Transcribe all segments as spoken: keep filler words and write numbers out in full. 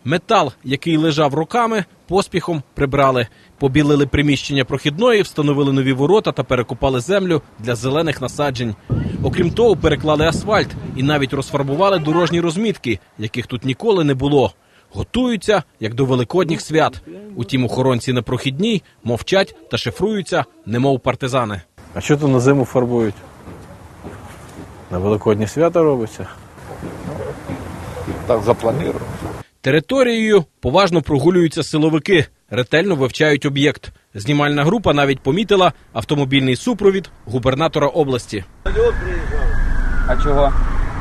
Метал, який лежав роками, поспіхом прибрали. Побілили приміщення прохідної, встановили нові ворота та перекопали землю для зелених насаджень. Окрім того, переклали асфальт і навіть розфарбували дорожні розмітки, яких тут ніколи не було. Готуються, як до великодніх свят. Утім, охоронці на прохідній мовчать та шифруються, немов партизани. А що тут на зиму фарбують? На великодні свята робиться? Так запланировано. Територією поважно прогулюються силовики, ретельно вивчають об'єкт. Знімальна група навіть помітила автомобільний супровід губернатора області. А чого?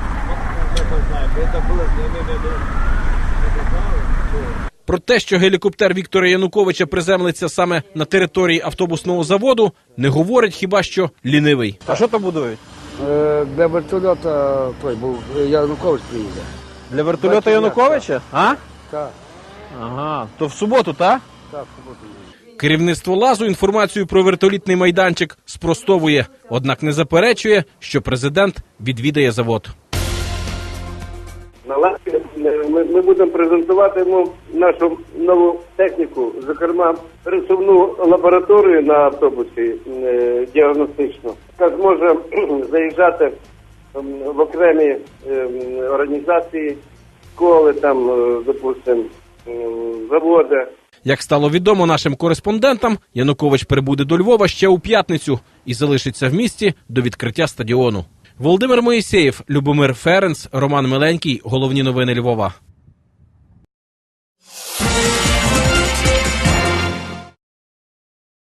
Про те, що гелікоптер Віктора Януковича приземлиться саме на території автобусного заводу, не говорить хіба що лінивий. А що там будують? Е, Для вертольота той був Янукович приїде. Для вертольота Януковича? А? Так, Ага. То в суботу, так? так, в суботу їде. Керівництво Лазу інформацію про вертолітний майданчик спростовує, однак не заперечує, що президент відвідає завод. На Лазі ми, ми будемо презентувати йому нашу нову техніку, зокрема пересувну лабораторію на автобусі е, діагностичну, яка зможе заїжджати е, в окремі е, організації, школи, там, е, допустимо, е, заводи. Як стало відомо нашим кореспондентам, Янукович прибуде до Львова ще у п'ятницю і залишиться в місті до відкриття стадіону. Володимир Моїсеєв, Любомир Ференц, Роман Миленький. Головні новини Львова.